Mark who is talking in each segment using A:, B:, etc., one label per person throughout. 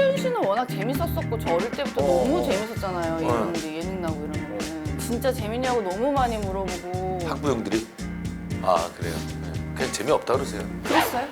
A: 최지훈 씨는 워낙 재밌었었고 저 어릴 때부터 너무 재밌었잖아요. 이런 이제 예능 나오고 이런 거는 진짜 재밌냐고 너무 많이 물어보고.
B: 학부형들이? 아 그래요? 네. 그냥 재미없다 그러세요.
A: 그랬어요?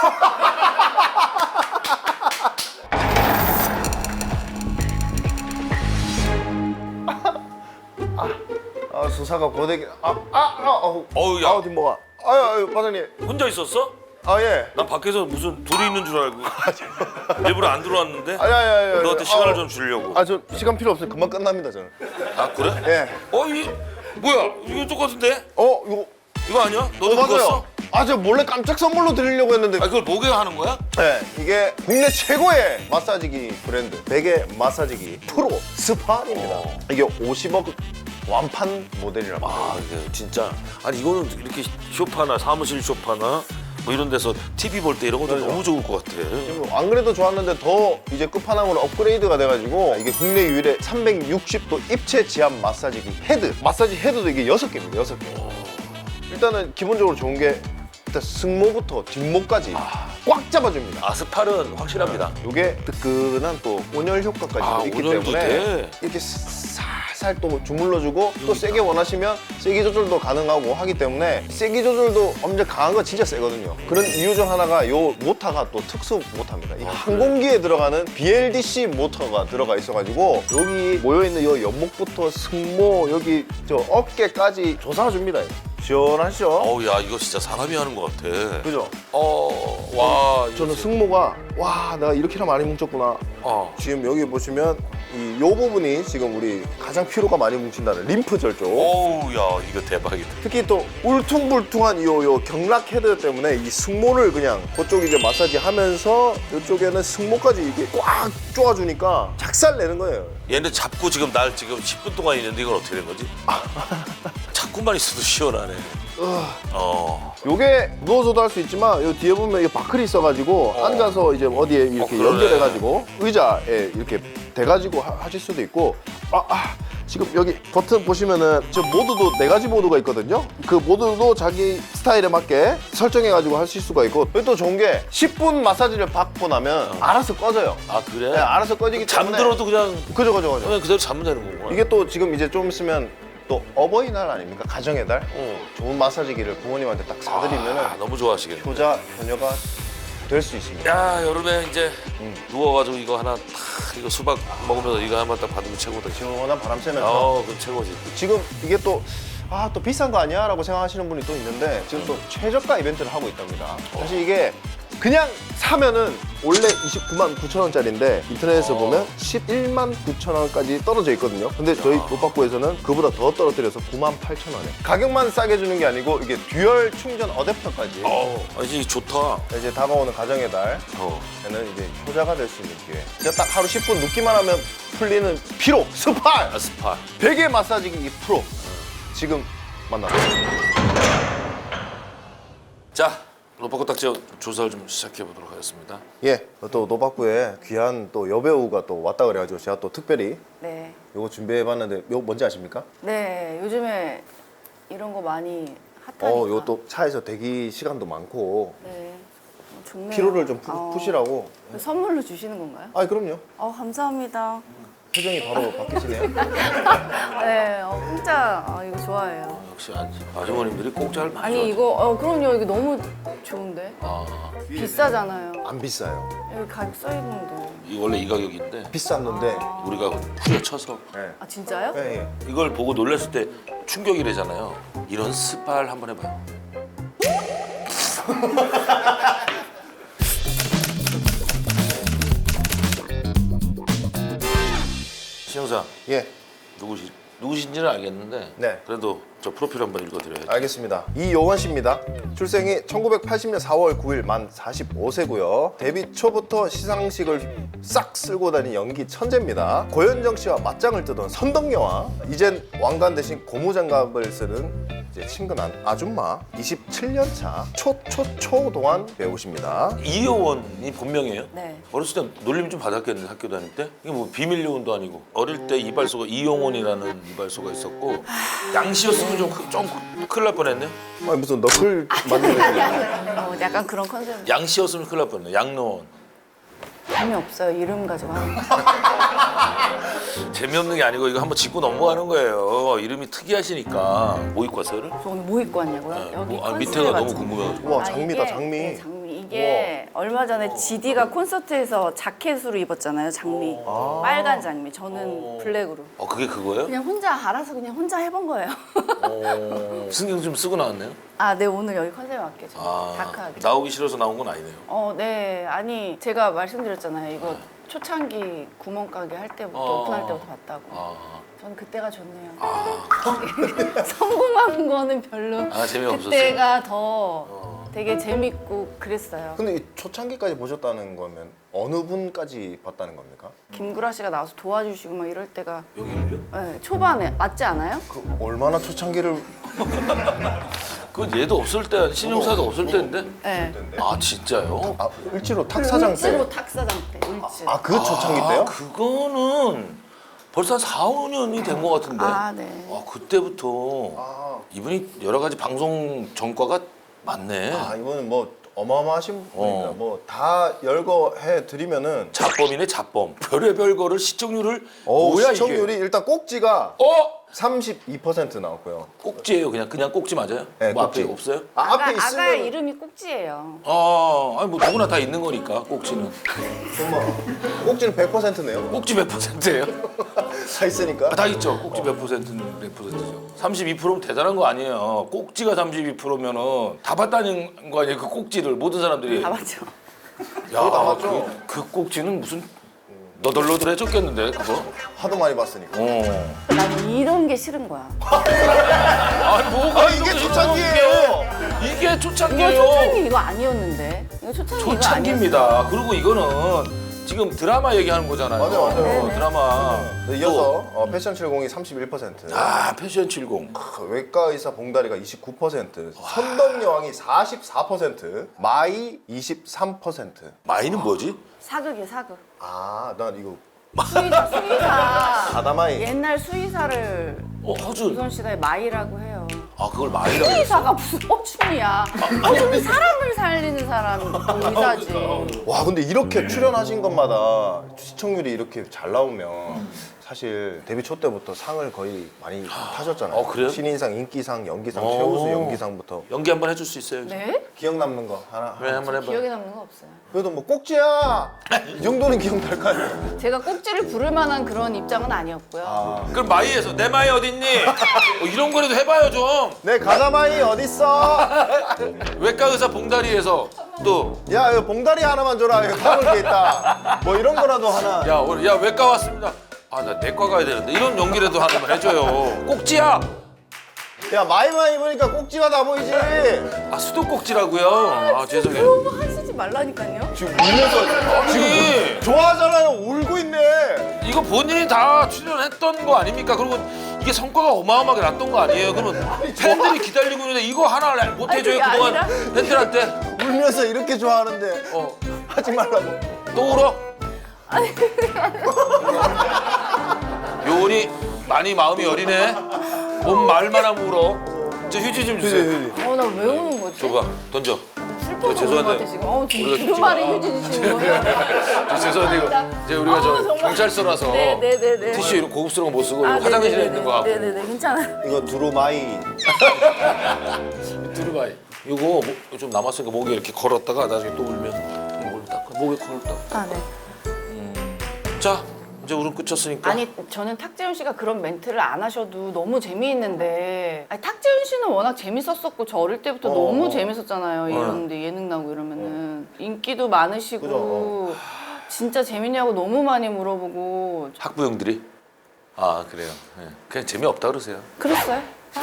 C: 수사가 고데기
B: 어우 야
C: 뒷목아. 아유 과장님.
B: 혼자 있었어?
C: 아 예.
B: 난 밖에서 무슨 둘이 있는 줄 알고 일부러 안 들어왔는데
C: 아야야야.
B: 너한테 시간을 좀 주려고.
C: 저 시간 필요 없어요. 금방 끝납니다 저는.
B: 아 그래?
C: 예.
B: 이 뭐야 이거 똑같은데?
C: 이거
B: 이거 아니야? 너도 그거
C: 맞아요.
B: 써?
C: 저 몰래 깜짝 선물로 드리려고 했는데.
B: 그걸 목에 하는 거야?
C: 네, 이게 국내 최고의 마사지기 브랜드 베개 마사지기 프로 스파입니다. 이게 50억 완판 모델이랍니다.
B: 이게 진짜 아니 이거는 이렇게 쇼파나 사무실 쇼파나 뭐 이런 데서 TV 볼 때 이런 것도
C: 맞아요.
B: 너무 좋을 것 같아.
C: 안 그래도 좋았는데 더 이제 끝판왕으로 업그레이드가 돼가지고 이게 국내 유일의 360도 입체 지압 마사지기 헤드. 마사지 헤드도 이게 6개입니다. 6개. 일단은 기본적으로 좋은 게 일단 승모부터 뒷목까지 꽉 잡아줍니다.
B: 스팔은 확실합니다.
C: 이게 뜨끈한 또 온열 효과까지 있기
B: 온열도
C: 때문에
B: 돼?
C: 이렇게 살살 또 주물러주고 또 세게 원하시면 세기 조절도 가능하고 하기 때문에 세기 조절도 엄청 강한 거 진짜 세거든요. 그런 이유 중 하나가 요 모터가 또 특수 모터입니다. 이 항공기에 들어가는 BLDC 모터가 들어가 있어가지고 여기 모여있는 요 연목부터 승모 여기 저 어깨까지 조사줍니다. 시원하시죠?
B: 어우 야 이거 진짜 사람이 하는 것 같아.
C: 그죠?
B: 와
C: 저는 승모가 와 내가 이렇게나 많이 뭉쳤구나. 지금 여기 보시면 요 부분이 지금 우리 가장 피로가 많이 뭉친다는 림프절 쪽.
B: 어우 야 이거 대박이다.
C: 특히 또 울퉁불퉁한 요 경락 헤드 때문에 이 승모를 그냥 그쪽 이제 마사지 하면서 이쪽에는 승모까지 이게 꽉 쪼아주니까 작살 내는 거예요.
B: 얘네 잡고 지금 날 지금 10분 동안 있는데 이건 어떻게 된 거지? 잡고만 있어도 시원하네.
C: 요게 누워서도 할 수 있지만 요 뒤에 보면 이 바클이 있어가지고 앉아서 이제 어디에 이렇게
B: 그러네.
C: 연결해가지고 의자에 이렇게 대가지고 하실 수도 있고 지금 여기 버튼 보시면은 저 모드도 4가지 모드가 있거든요. 그 모드도 자기 스타일에 맞게 설정해가지고 하실 수가 있고 여기 또 좋은 게 10분 마사지를 받고 나면 알아서 꺼져요.
B: 아 그래?
C: 네, 알아서 꺼지기 때문에
B: 잠들어도 그냥
C: 그죠.
B: 그냥 그대로 자면 되는 거구나.
C: 이게 또 지금 이제 좀 있으면 또 어버이날 아닙니까? 가정의 달? 좋은 마사지기를 부모님한테 딱 사드리면은
B: 너무 좋아하시겠네.
C: 효자, 효녀가 될 수 있습니다.
B: 야 여름에 이제 누워가지고 이거 하나 탁 이거 수박 먹으면서 이거 하나 딱 받으면 최고다.
C: 시원한 바람 쐬면서
B: 그 최고지.
C: 지금 이게 또 또 비싼 거 아니야? 라고 생각하시는 분이 또 있는데 지금 또 최저가 이벤트를 하고 있답니다. 사실 이게 그냥 사면은 원래 29만 9천 원짜리인데 인터넷에서 보면 11만 9천 원까지 떨어져 있거든요. 근데 저희 노박구에서는 그보다 더 떨어뜨려서 9만 8천 원에 가격만 싸게 주는 게 아니고 이게 듀얼 충전 어댑터까지
B: 이제 좋다.
C: 이제 다가오는 가정의 달에는 이제 효자가 될 수 있는 기회. 진짜 딱 하루 10분 눕기만 하면 풀리는 피로 스파
B: 스파.
C: 베개 마사지기 프로 지금 만나보세요.
B: 자 로퍼코 딱지 조사를 좀 시작해 보도록 하겠습니다.
C: 예, 또 노박구에 귀한 또 여배우가 또 왔다 그래가지고 제가 또 특별히
A: 네.
C: 요거 준비해봤는데 요거 뭔지 아십니까?
A: 네, 요즘에 이런 거 많이 핫하니까.
C: 요거 또 차에서 대기 시간도 많고
A: 네, 좋네요.
C: 피로를 좀 푸시라고.
A: 선물로 주시는 건가요?
C: 그럼요.
A: 감사합니다.
C: 표정이 바로 바뀌시네요.
A: 네, 공짜 이거 좋아해요.
B: 역시 아주머님들이 공짜를 많이
A: 아니 이거 그럼요. 이거 너무 좋은데. 비싸잖아요.
C: 안 비싸요.
A: 여기 가격 써 있는데.
B: 원래 이 가격인데
C: 비쌌는데.
B: 우리가 후려쳐서
C: 네.
A: 아 진짜요?
C: 예.
B: 이걸 보고 놀랐을 때 충격이래잖아요. 이런 스파를 한번 해봐요. 신영사
C: 예.
B: 누구신지는 알겠는데
C: 네.
B: 그래도 저 프로필 한번 읽어드려야죠.
C: 알겠습니다. 이요원 씨입니다. 출생이 1980년 4월 9일 만 45세고요. 데뷔 초부터 시상식을 싹 쓸고 다닌 연기 천재입니다. 고현정 씨와 맞짱을 뜨던 선덕여왕, 이젠 왕관 대신 고무장갑을 쓰는 이제 친근한 아줌마, 27년 차 초초초동안 배우십니다.
B: 이효원이 본명이에요?
A: 네.
B: 어렸을 때 놀림 좀 받았겠는데 학교 다닐 때? 이게 뭐 비밀 요원도 아니고 어릴 때 이발소가 이용원이라는 이발소가 있었고 양씨였으면 좀 큰일 날 뻔했네.
C: 무슨 너클 만드는
A: 약간 그런 컨셉.
B: 양씨였으면 큰일 날 뻔했네. 양로원.
A: 재미없어요. 이름 가지고 하는 거.
B: 재미없는 게 아니고 이거 한번 짚고 넘어가는 거예요. 이름이 특이하시니까. 뭐 입고 왔어요?
A: 저 오늘 뭐 입고 왔냐고요? 여기
B: 밑에가 너무
A: 컨셉
B: 궁금해가지고.
C: 우와 장미다
A: 이게,
C: 장미.
A: 네, 장미. 이게 얼마 전에 GD가 콘서트에서 자켓으로 입었잖아요. 장미. 빨간 장미. 저는 블랙으로.
B: 그게 그거예요?
A: 그냥 혼자 알아서 그냥 혼자 해본 거예요.
B: 신경 좀 쓰고 나왔네요.
A: 아, 네 오늘 여기 컨셉에 맞게 좀 다크하게.
B: 나오기 싫어서 나온 건 아니네요.
A: 네. 아니 제가 말씀드렸잖아요. 이거 초창기 구멍가게 할 때부터 오픈할 때부터 봤다고. 저는 그때가 좋네요. 성공한 거는 별로.
B: 재미없었어요?
A: 그때가 더 되게 재밌고 그랬어요.
C: 근데 이 초창기까지 보셨다는 거면 어느 분까지 봤다는 겁니까?
A: 김구라 씨가 나와서 도와주시고 막 이럴 때가
B: 여기를요?
A: 네, 초반에 맞지 않아요?
C: 그 얼마나 초창기를
B: 그건 얘도 없을 때, 신용사도 없을 때인데?
A: 네.
B: 진짜요?
C: 을지로 탁사장 때.
A: 을지로 탁사장 때. 을지.
C: 그 초창기 때요?
B: 그거는 벌써 한 4, 5년이 된 것 같은데.
A: 네.
B: 그때부터 이분이 여러 가지 방송 전과가 많네.
C: 이거는 뭐 어마어마하신 분입니다. 뭐 다 열거해 드리면은
B: 자범이네, 자범. 별의별 거를 시청률을 뭐야
C: 시청률이
B: 이게?
C: 일단 꼭지가
B: 어?
C: 32% 나왔고요.
B: 꼭지예요. 그냥 꼭지 맞아요?
C: 네,
B: 뭐
C: 꼭지.
B: 앞에 없어요?
C: 앞에
A: 아가
C: 있으면
A: 이름이 꼭지예요.
B: 아니 뭐 누구나 다 있는 거니까 꼭지는.
C: 정말 꼭지는 100%네요.
B: 꼭지 몇 %예요?
C: 다 있으니까.
B: 다 있죠. 꼭지 몇 %는 몇 %죠. 32%면 대단한 거 아니에요. 꼭지가 32%면은 다 봤다는 거 아니에요. 그 꼭지를 모든 사람들이.
A: 다 맞죠?
B: 야,
C: 다 봤죠.
B: 그 꼭지는 무슨 너덜너덜해졌겠는데 그거.
C: 하도 많이 봤으니까.
A: 난 이런 게 싫은 거야.
B: 아니 뭐가
C: 이게
B: 이렇게
C: 초창기예요.
B: 이게
A: 이거
B: 초창기예요.
A: 초창기 이거 아니었는데. 이거 초창기 이거 아니었어.
B: 초창기입니다. 그리고 이거는 지금 드라마 얘기하는 거잖아요.
C: 맞아요.
B: 드라마.
C: 네, 이어서 패션 70이 31%.
B: 패션 70.
C: 외과 의사 봉다리가 29%, 선덕 여왕이 44%, 마이 23%.
B: 마이는 뭐지?
A: 사극이에요, 사극.
C: 난 이거
A: 수의사.
C: 바다마이.
A: 옛날 수의사를
B: 허준.
A: 조선 시대에 마이라고 해요.
B: 그걸 마이라고 했어.
A: 수의사가 무슨 허준이야. 허준이 사람을 살리는 사람 의사지.
C: 와 근데 이렇게 출연하신 것마다 시청률이 이렇게 잘 나오면 사실 데뷔 초 때부터 상을 거의 많이 타셨잖아요.
B: 그래요?
C: 신인상, 인기상, 연기상, 최우수 연기상부터.
B: 연기 한번 해줄 수 있어요?
A: 네?
C: 기억 남는 거 하나.
B: 그래 한번 해봐.
A: 기억에 남는 거 없어요.
C: 그래도 뭐 꼭지야 이 정도는 기억날 거 아니에요.
A: 제가 꼭지를 부를 만한 그런 입장은 아니었고요.
B: 그럼 마이에서 내 마이 어딨니? 이런 거라도 해봐요 좀.
C: 내 가자마이 어딨어?
B: 외과 의사 봉다리에서 또.
C: 야 이거 봉다리 하나만 줘라. 이거 담을 게 있다. 뭐 이런 거라도 하나.
B: 야 외과 왔습니다. 나 내과 가야 되는데 이런 연기라도 하나만 해줘요. 꼭지야.
C: 야 마이마이 보니까 꼭지가 다 보이지.
B: 수도 꼭지라고요. 죄송해요.
A: 그런 거 하시지 말라니까요.
C: 지금 울면서
B: 지금
C: 좋아하잖아요. 울고 있네.
B: 이거 본인이 다 출연했던 거 아닙니까? 그리고 이게 성과가 어마어마하게 났던 거 아니에요? 그러면 팬들이 기다리고 있는데 이거 하나 못 해줘요
A: 아니, 그게
B: 그동안
A: 아니라?
B: 팬들한테.
C: 울면서 이렇게 좋아하는데 하지 말라고.
B: 또 울어? 요원이 많이 마음이 여리네. 뭔 말만 하면 울어. 저 휴지 좀 주세요.
A: 나 왜 우는 거지?
B: 줘봐. 던져.
A: 슬퍼서 우는 거 같아 지금. 지금
B: 우리가
A: 무슨 말이 휴지 주시는 거예요?
B: 죄송한데 이거 이제 우리가
A: 정말.
B: 경찰서라서
A: 네네네네.
B: 티슈 이런 고급스러운 거 못 쓰고 화장실에 있는 거 갖고.
A: 네네네 괜찮아요.
C: 이거 두루마이.
B: 두루마이. 이거 좀 남았으니까 목에 이렇게 걸었다가 나중에 또 울면 목을 닦아. 목에 걸었다.
A: 네.
B: 자 이제 울음 끝쳤으니까.
A: 아니 저는 탁재훈 씨가 그런 멘트를 안 하셔도 너무 재미있는데 탁재훈 씨는 워낙 재밌었었고 저 어릴 때부터 너무 재밌었잖아요. 이런데 예능 나오고 이러면은 인기도 많으시고 진짜 재밌냐고 너무 많이 물어보고
B: 학부형들이. 그래요. 네. 그냥 재미없다 그러세요.
A: 그랬어요?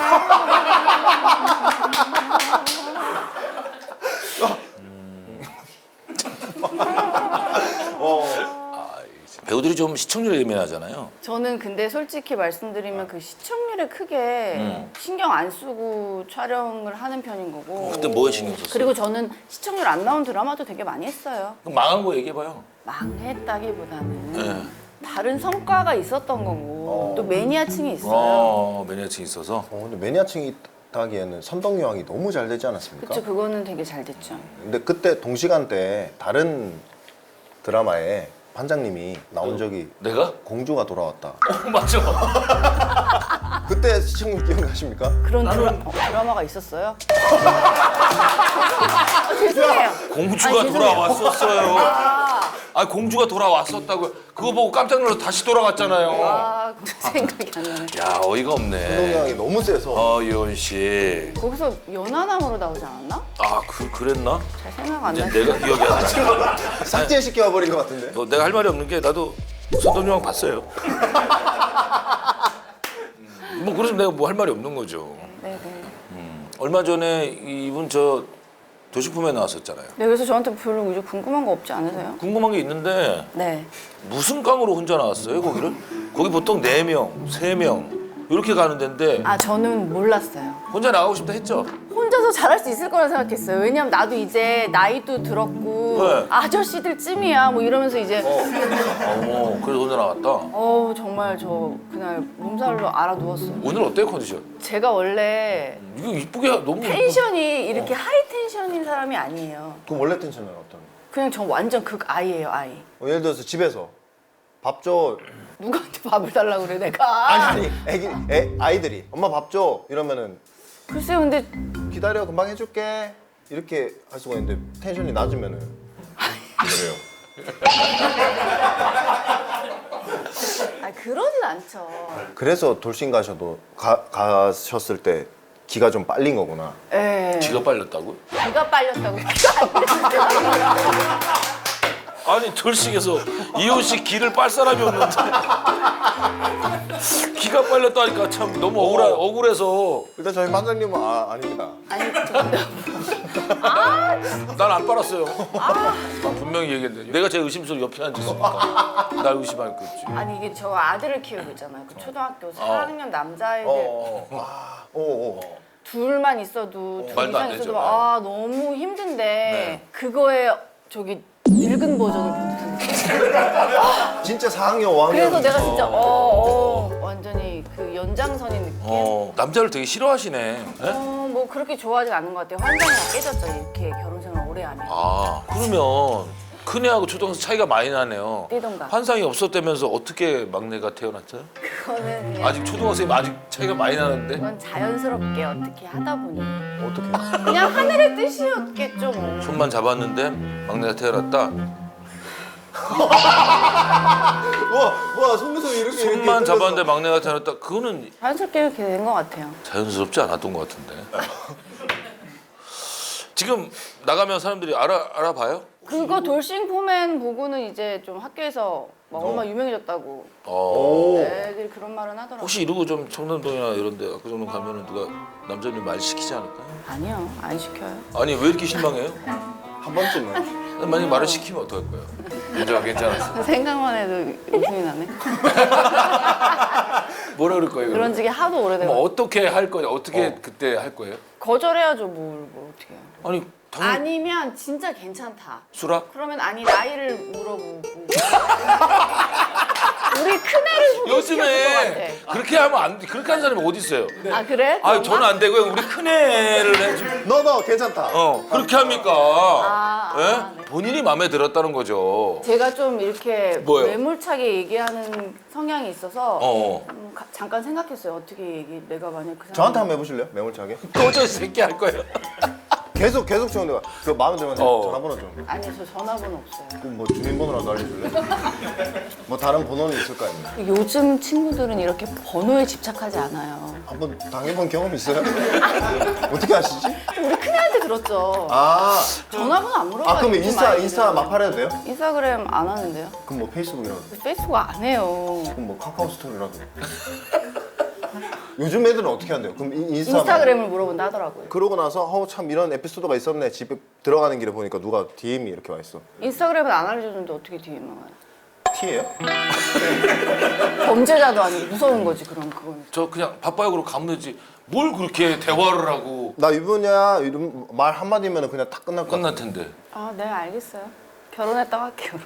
B: 배우들이 좀 시청률에 예민하잖아요.
A: 저는 근데 솔직히 말씀드리면 그 시청률에 크게 신경 안 쓰고 촬영을 하는 편인 거고
B: 그때 뭐에 신경 썼어요?
A: 그리고 저는 시청률 안 나온 드라마도 되게 많이 했어요.
B: 그럼 망한 거 얘기해봐요.
A: 망했다기보다는
B: 네.
A: 다른 성과가 있었던 거고 또 매니아층이 있어요.
B: 매니아층 있어서.
C: 근데 매니아층이 하기에는 선덕 여왕이 너무 잘 되지 않았습니까?
A: 그쵸, 그거는 되게 잘 됐죠.
C: 근데 그때 동시간대에 다른 드라마에 반장님이 나온 적이
B: 내가?
C: 공주가 돌아왔다.
B: 맞아.
C: 그때 시청률 기억나십니까?
A: 그런 드라마가 있었어요? 죄송해요.
B: 공주가
A: 아니, 죄송해요.
B: 돌아왔었어요. 아 공주가 돌아왔었다고. 그거 보고 깜짝 놀라서 다시 돌아갔잖아요.
A: 아, 생각이 안 나네.
B: 야 어이가 없네.
C: 운동량이 너무 세서
B: 이원 씨.
A: 거기서 연하남으로 나오지 않았나?
B: 아 그랬나?
A: 잘 생각 안
B: 이제
A: 나시.
B: 내가 기억이 안 나.
C: 삭제시켜 버린 것 같은데.
B: 내가 할 말이 없는 게 나도 선동영 봤어요. 뭐 그래서 내가 뭐 할 말이 없는 거죠.
A: 네네.
B: 얼마 전에 이분 저 도식품에 나왔었잖아요.
A: 네, 그래서 저한테 별로 이제 궁금한 거 없지 않으세요?
B: 궁금한 게 있는데
A: 네.
B: 무슨 깡으로 혼자 나왔어요 거기를? 거기 보통 4명, 3명 이렇게 가는 데인데
A: 아, 저는 몰랐어요.
B: 혼자 나가고 싶다 했죠?
A: 혼자서 잘할 수 있을 거라 생각했어요. 왜냐면 나도 이제 나이도 들었고
B: 네.
A: 아저씨들 쯤이야 뭐 이러면서 이제
B: 그래서 혼자 나왔다.
A: 정말 저 그날 몸살로 알아 누웠어요.
B: 오늘 어때요 컨디션?
A: 제가 원래
B: 이거 이쁘게 너무
A: 텐션이 이렇게 하이 텐션인 사람이 아니에요.
C: 그럼 원래 텐션은 어떤?
A: 그냥 저 완전 극 아이예요, 아이.
C: 예를 들어서 집에서 밥 줘.
A: 누구한테 밥을 달라고 그래 내가.
C: 아니 아이들이 엄마 밥 줘 이러면은
A: 글쎄요, 근데
C: 기다려 금방 해줄게 이렇게 할 수가 있는데 텐션이 낮으면은 그래요.
A: 그러진 않죠.
C: 그래서 돌싱 가셔도 가셨을 때 기가 좀 빨린 거구나.
A: 예.
B: 기가 빨렸다고?
A: 기가 빨렸다고. 기가 안 빨렸어요.
B: 아니 돌싱에서 이호 씨 기를 빨 사람이 없는데 기가 빨렸다니까 참 너무 억울해서
C: 일단 저희 반장님은 아닙니다.
A: 아니, 근데
B: 난 안 빨았어요. 난 분명히 얘기했는데 내가 제 의심스러워 옆에 앉았으니까 날 의심할 거 있지.
A: 아니 이게 저 아들을 키우고 있잖아요. 그 초등학교 4학년 남자애들 둘만 있어도 둘
B: 말도 안
A: 이상
B: 되죠.
A: 있어도 막, 너무 힘든데 그거에 저기 늙은 버전을 보는
C: 진짜 4학년 5학년.
A: 그래서 내가 진짜 완전히 그 연장선인 느낌.
B: 남자를 되게 싫어하시네. 예?
A: 뭐 그렇게 좋아하진 않는 것 같아요. 환상이 다 깨졌죠. 이렇게 결혼 생활 오래 하면.
B: 그러면 큰애하고 초등학생 차이가 많이 나네요.
A: 띠동갑.
B: 환상이 없었다면서 어떻게 막내가 태어났어요?
A: 그거는 그냥
B: 아직 초등학생이 아직 차이가 많이 나는데?
A: 그건 자연스럽게 어떻게 하다 보니
C: 어떻게?
A: 그냥 하늘의 뜻이었겠죠 뭐.
B: 손만 잡았는데 막내가 태어났다.
C: 와 속눈썹 이렇게
B: 손만 잡았는데 막내가 태어났다. 그거는
A: 자연스럽게 이렇게 된 것 같아요.
B: 자연스럽지 않았던 것 같은데. 지금 나가면 사람들이 알아봐요?
A: 그거 돌싱 포맨 보고는 이제 좀 학교에서 막 얼마나 유명해졌다고
C: 오.
A: 애들이 그런 말은 하더라고요.
B: 혹시 이러고 좀 청담동이나 이런 데 압구정동 가면은 누가 남자님 말 시키지 않을까요?
A: 아니요, 안 시켜요.
B: 아니 왜 이렇게 실망해요?
C: 한 번쯤은.
B: 만약에 말을 시키면 어떡할 거예요? 문제가 괜찮았어.
A: 생각만 해도 웃음이 나네.
B: 뭐라 그럴 거예요?
A: 그런 지게 하도
B: 그럼
A: 오래돼서
B: 어떻게 할 거예요? 어떻게 그때 할 거예요?
A: 거절해야죠. 뭘 어떻게 해요.
B: 아니 당연히
A: 아니면 진짜 괜찮다.
B: 수락?
A: 그러면 나이를 물어보고 우리 큰애를 소개시켜줄 것
B: 요즘에
A: 같아.
B: 그렇게 하면 안 돼. 그렇게 하는 사람이 어디 있어요?
A: 아 그래?
B: 아 저는 안 되고요. 우리 큰애를 해좀
C: 너 괜찮다.
B: 그렇게 합니까?
A: 아,
B: 예?
A: 네.
B: 본인이 마음에 들었다는 거죠.
A: 제가 좀 이렇게
B: 뭐요?
A: 매몰차게 얘기하는 성향이 있어서 잠깐 생각했어요. 어떻게 내가 만약 그 사람
C: 저한테 한번 해보실래요? 매몰차게.
B: 도저히 새끼 할 거예요.
C: 계속 저는 내가 그 마음에 들면 전화번호 좀.
A: 아니 저 전화번호 없어요.
C: 그럼 뭐 주민번호라도 알려줄래? 뭐 다른 번호는 있을 거 아니에요?
A: 요즘 친구들은 이렇게 번호에 집착하지 않아요.
C: 한번 당해본 경험 있어요? 어떻게 아시지?
A: 우리 큰애한테 들었죠. 전화번호 안 물어봐요.
C: 그럼
A: 요즘
C: 인스타
A: 아이들은.
C: 마팔해도 돼요?
A: 인스타그램 안 하는데요?
C: 그럼 뭐 페이스북이라도.
A: 페이스북 안 해요.
C: 그럼 뭐 카카오 스토리라도. 요즘 애들은 어떻게 한대요? 그럼
A: 인스타그램을 물어본다 하더라고요.
C: 그러고 나서 참 이런 에피소드가 있었네. 집에 들어가는 길에 보니까 누가 DM이 이렇게 와 있어.
A: 인스타그램은 안 알려주는데 어떻게 DM만 와요?
C: T예요?
A: 범죄자도 아니고 무서운 거지 그럼 그건.
B: 저 그냥 바빠요 그러고 가면 되지. 뭘 그렇게 대화를 하고
C: 나 유부녀야 이런 말 한마디면 그냥 딱 끝날 것 같아.
B: 끝날 텐데.
A: 네 알겠어요. 결혼했다고 할게요.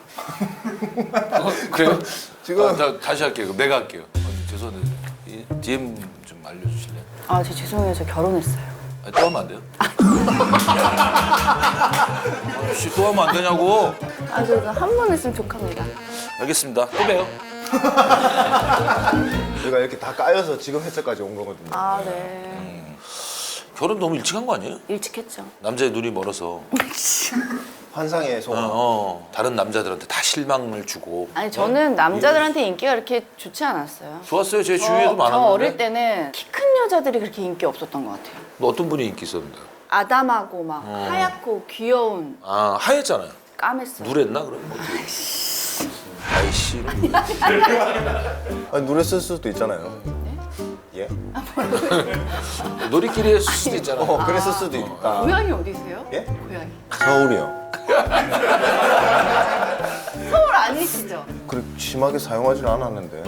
B: 그래요?
C: 지금-
B: 다시 할게요. 그럼 내가 할게요. 죄송한데 이 DM 좀 알려주실래요?
A: 저 죄송해요. 저 결혼했어요.
B: 또 하면 안 돼요? 씨, 또 하면 안 되냐고?
A: 아, 그래서 한 번 했으면 좋합니다.
B: 알겠습니다. 또 봬요.
C: 저희가 이렇게 다 까여서 지금 회사까지 온 거거든요.
A: 아, 네.
B: 결혼 너무 일찍 한 거 아니에요?
A: 일찍 했죠.
B: 남자의 눈이 멀어서
C: 환상의 소원.
B: 다른 남자들한테 다 실망을 주고.
A: 아니, 저는 남자들한테 인기가 그렇게 좋지 않았어요.
B: 좋았어요. 제 주위에도
A: 저
B: 많았는데.
A: 어릴 때는 키 큰 여자들이 그렇게 인기 없었던 것 같아요.
B: 너 어떤 분이 인기 있었는데?
A: 아담하고 막 하얗고 귀여운
B: 아 하였잖아요.
A: 까맸어요.
B: 누랬나 그럼? 어떻게? 아이씨.
C: 아니, 노래 쓸 수도 있잖아요. 예?
B: 놀이끼리 했을 수도 있잖아.
C: 그랬을 수도 있다.
A: 고향이 어디세요?
C: 예?
A: 고향이.
C: 서울이요.
A: 서울 아니시죠?
C: 그렇게 심하게 사용하지 않았는데.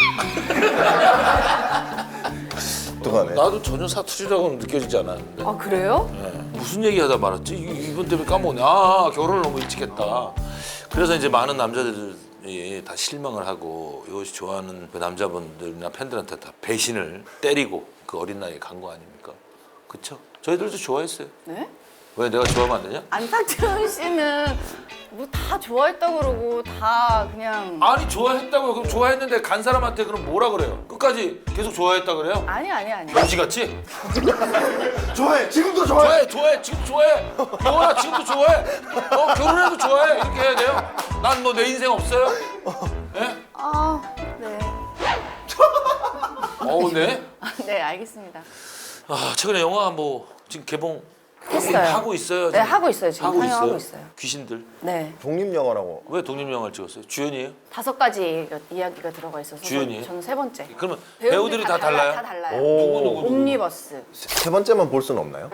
C: 어떡하네.
B: 나도 전혀 사투리라고는 느껴지지 않았는데.
A: 아, 그래요?
B: 네. 무슨 얘기하다 말았지? 이번 때문에 까먹네. 아 결혼을 너무 일찍 했다. 그래서 이제 많은 남자들이 다 실망을 하고 이것이 좋아하는 그 남자분들이나 팬들한테 다 배신을 때리고 그 어린 나이에 간 거 아닙니까? 그쵸? 저희들도 좋아했어요.
A: 네?
B: 왜 내가 좋아하면 안 되냐?
A: 안탁재훈 씨는 뭐 다 좋아했다고 그러고 다 그냥
B: 아니 좋아했다고요. 그럼 좋아했는데 간 사람한테 그럼 뭐라 그래요? 끝까지 계속 좋아했다 그래요?
A: 아니.
B: 병시같이?
C: 좋아해. 지금도 좋아해.
B: 좋아해 지금 좋아해 영원아 지금도 좋아해 결혼해도 좋아해 이렇게 해야 돼요? 난 뭐 내 인생 없어요? 예?
A: 아, 네.
B: 네?
A: 네, 알겠습니다.
B: 아 최근에 영화 뭐 지금 개봉
A: 했어요.
B: 하고 있어요?
A: 네, 하고 있어요. 지금
B: 하고
A: 상영하고 있어요.
B: 귀신들
A: 네.
C: 독립영화라고.
B: 왜 독립영화를 찍었어요? 주연이에요?
A: 5가지 이야기가 들어가 있어서
B: 주연이에요?
A: 저는 3번째.
B: 그러면 배우들이 다 달라요?
A: 다 달라요.
B: 누구?
A: 옴니버스.
C: 세 번째만 볼 수는 없나요?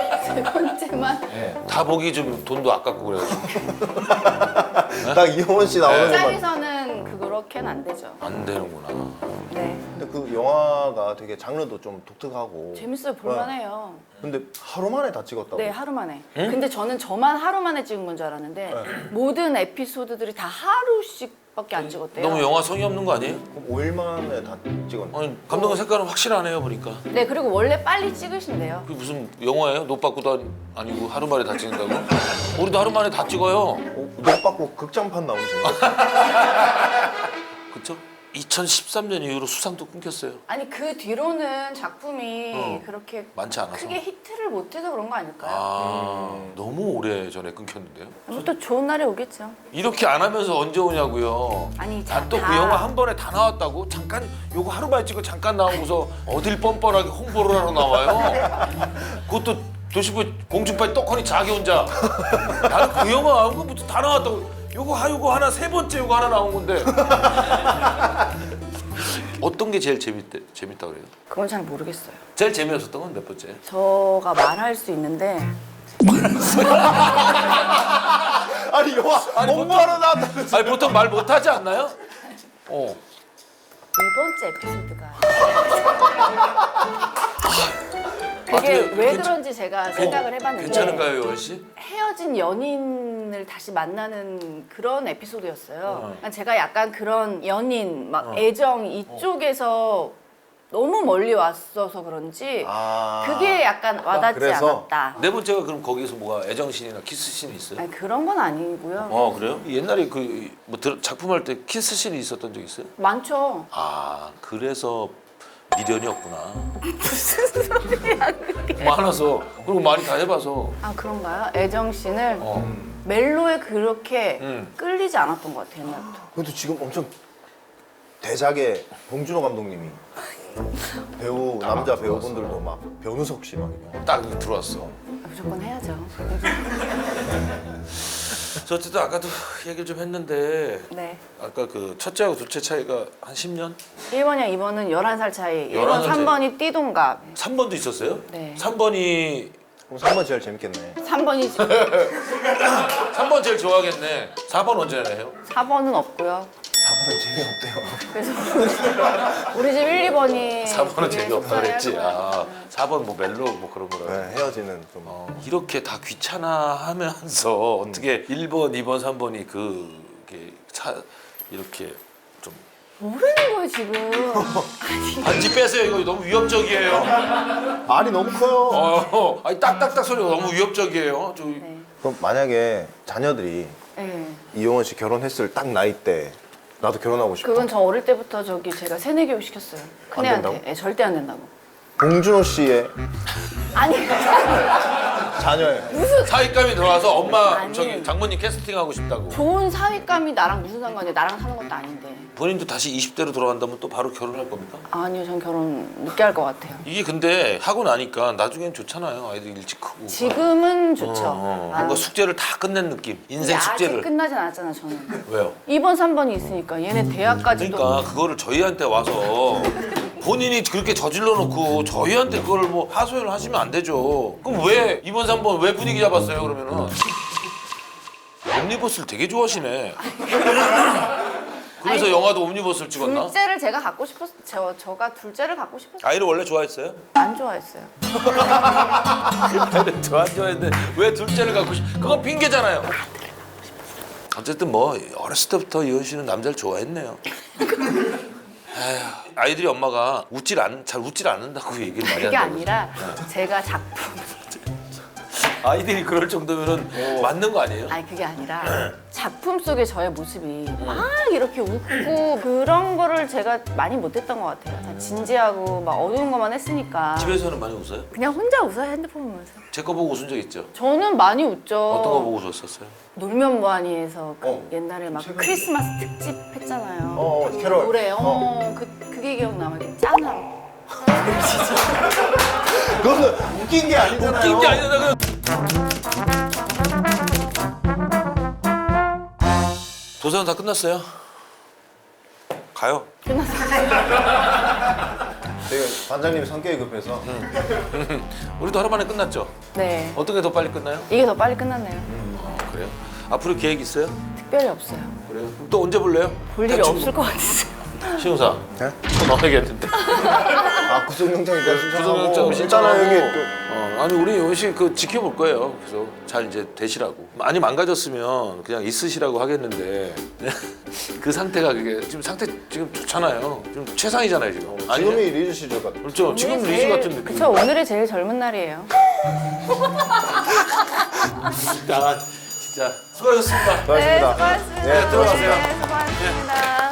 A: 3번째만
B: 다 보기 좀 돈도 아깝고 그래가지고
C: 딱 이효원 씨 나오는 것만.
A: 짱에서는 그렇게는 안 되죠.
B: 안 되는구나.
A: 네.
C: 근데 그 영화가 되게 장르도 좀 독특하고.
A: 재밌어요. 볼만해요.
C: 근데 하루 만에 다 찍었다고.
A: 네, 하루 만에. 근데 저는 저만 하루 만에 찍은 건 줄 알았는데 모든 에피소드들이 다 하루씩밖에 안 찍었대요.
B: 너무 영화 성의 없는 거 아니에요?
C: 그럼 5일 만에 다 찍었네.
B: 아니 감독의 색깔은 확실하네요 보니까.
A: 네, 그리고 원래 빨리 찍으신대요.
B: 그게 무슨 영화예요? 노빠꾸도 아니고 하루 만에 다 찍는다고? 우리도 하루 만에 다 찍어요.
C: 못 받고 극장판 나오시는 거.
B: 그쵸? 2013년 이후로 수상도 끊겼어요.
A: 아니, 그 뒤로는 작품이 그렇게
B: 많지 않아서.
A: 크게 히트를 못해서 그런 거 아닐까요?
B: 너무 오래 전에 끊겼는데요.
A: 뭐또 좋은 날이 오겠죠.
B: 이렇게 안 하면서 언제 오냐고요.
A: 아니,
B: 또 그 영화 한 번에 다 나왔다고? 잠깐 요거 하루 만에 찍고 잠깐 나오고서 어딜 뻔뻔하게 홍보를 하러 나와요. 그것도 도시부 공중파에 떡하니 자기 혼자. 나는 그 영화 한 거부터 다 나왔다고. 요거 하나 3번째 요거 하나 나온 건데. 어떤 게 제일 재밌다 그래요?
A: 그건 잘 모르겠어요.
B: 제일 재미없었던 건 몇 번째?
A: 저가 말할 수 있는데
C: 아니 영화 홍보하러 나왔다면서.
B: 아니 보통 말 못하지 않나요? 어.
A: 1번째 에피소드가 그게
B: 어떻게
A: 왜 그런지 제가 생각을 해봤는데
B: 괜찮은가요, 요원 씨?
A: 헤어진 연인을 다시 만나는 그런 에피소드였어요. 그러니까 제가 약간 그런 연인, 막 애정 이쪽에서 너무 멀리 왔어서 그런지 그게 약간 와닿지
C: 그래서?
A: 않았다.
B: 네 번째가 그럼 거기서 뭐가 애정신이나 키스신이 있어요?
A: 아니, 그런 건 아니고요.
B: 그래요? 옛날에 뭐 작품할 때 키스신이 있었던 적 있어요?
A: 많죠.
B: 아 그래서 미련이 없구나.
A: 무슨 소리야 그게.
B: 많아서 그리고 많이 다 해봐서.
A: 아, 그런가요? 애정 씬을 멜로에 그렇게 끌리지 않았던 것 같아요, 옛날부터.
C: 그래도 지금 엄청 대작의 봉준호 감독님이 배우 남자 배우분들도 막 변우석 씨 막 이런.
B: 딱 들어왔어.
A: 무조건 해야죠.
B: 저 어쨌든 아까도 얘기를 좀 했는데
A: 네.
B: 아까 그 첫째하고 둘째 차이가 한 10년?
A: 1번이랑 2번은 11살 차이.
B: 11살
A: 1번, 3번이 띠동갑.
B: 3번도 있었어요?
A: 네.
B: 3번이
C: 그럼 3번 제일 재밌겠네.
A: 3번이
B: 3번 제일 좋아하겠네. 4번 언제 해요?
A: 4번은 없고요.
C: 4번은 재미없대요.
A: 그래서 우리 집 1, 2번이
B: 4번은 재미없다 그랬지. 4번 뭐 멜로 뭐 그런 거라.
C: 네, 헤어지는 좀.
B: 이렇게 다 귀찮아하면서 어떻게 1번, 2번, 3번이 그게 이렇게 좀
A: 모르는 거예요, 지금.
B: 반지 빼세요. 이거 너무 위협적이에요.
C: 말이 너무 커요.
B: 아니 딱딱딱 소리가 너무 위협적이에요.
A: 네.
C: 그럼 만약에 자녀들이
A: 네.
C: 이용원 씨 결혼했을 딱 나이 때 나도 결혼하고 싶어.
A: 그건 저 어릴 때부터 제가 세뇌 교육 시켰어요. 큰애한테.
C: 된다고?
A: 예, 절대 안 된다고.
C: 봉준호 씨의
A: 아니
C: 자녀예요.
B: 사윗감이 들어와서 엄마
A: 아니.
B: 저기 장모님 캐스팅하고 싶다고.
A: 좋은 사윗감이 나랑 무슨 상관이야. 나랑 사는 것도 아닌데.
B: 본인도 다시 20대로 돌아간다면 또 바로 결혼할 겁니까?
A: 아니요, 전 결혼 늦게 할 것 같아요.
B: 이게 근데 하고 나니까 나중엔 좋잖아요. 아이들 일찍 크고.
A: 지금은 좋죠.
B: 뭔가 숙제를 다 끝낸 느낌. 인생
A: 아직
B: 숙제를.
A: 끝나진 않았잖아, 저는.
B: 왜요?
A: 2번, 3번이 있으니까 얘네 대학까지도.
B: 그러니까 그거를 저희한테 와서 본인이 그렇게 저질러 놓고 저희한테 그걸 뭐 하소연을 하시면 안 되죠. 그럼 왜 2번, 3번 왜 분위기 잡았어요, 그러면은? 옴니버스를 되게 좋아하시네. 그래서
A: 아니,
B: 영화도 옴니버스를 찍었나?
A: 둘째를 제가 갖고 싶었어요. 저가 둘째를 갖고 싶었어요.
B: 아이를 원래 좋아했어요?
A: 안 좋아했어요.
B: 아이를 좋아했는데 왜 둘째를 갖고 싶... 그건 핑계잖아요. 어쨌든 뭐 어렸을 때부터 이현 씨는 남자를 좋아했네요. 에휴, 아이들이 엄마가 잘 웃질 않는다고 얘기를 많이
A: 그게
B: 한다고.
A: 아니라 제가 작품.
B: 아이들이 그럴 정도면은 맞는 거 아니에요?
A: 아니 그게 아니라 작품 속의 저의 모습이 막 이렇게 웃고 그런 거를 제가 많이 못했던 것 같아요. 다 진지하고 막 어두운 것만 했으니까.
B: 집에서는 많이 웃어요?
A: 그냥 혼자 웃어요, 핸드폰 보면서.
B: 제 거 보고 웃은 적 있죠?
A: 저는 많이 웃죠.
B: 어떤 거 보고 웃었어요?
A: 놀면 뭐하니에서 그
C: 어.
A: 옛날에 막 크리스마스 특집 했잖아요.
C: 캐롤.
A: 노래. 그게 기억나. 막 이렇게 짠하고.
C: 그거는 웃긴 게 아니잖아요.
B: 웃긴 게 아니라 도서관 다 끝났어요? 가요.
C: 되게 반장님 성격이 급해서
B: 우리도 하루 만에 끝났죠?
A: 네.
B: 어떤 게 더 빨리 끝나요?
A: 이게 더 빨리 끝났네요.
B: 그래요? 앞으로 계획 있어요?
A: 특별히 없어요.
B: 그래요? 그럼 또 언제 볼래요?
A: 볼 일이
B: 대충.
A: 없을 것 같아요.
B: 신우사
C: 네?
B: 전화하겠는데.
C: 구속영장 일단 신청하고
B: 구속영장
C: 일단은 여기
B: 신청하고. 아니 우리 요씨 그 지켜볼 거예요. 그래서 잘 이제 되시라고. 많이 망가졌으면 그냥 있으시라고 하겠는데 그 상태가 그게 지금 상태 지금 좋잖아요. 지금 최상이잖아요 지금.
C: 또
B: 아니에요?
C: 지금이 리즈 시절 같아.
B: 그렇죠. 지금 리즈 같은 느낌.
A: 그쵸, 오늘이 제일 젊은 날이에요.
B: 아 진짜 수고하셨습니다.
C: 수고하셨습니다.
A: 수고하셨습니다.
C: 네, 들어가세요.
A: 네, 수고하셨습니다.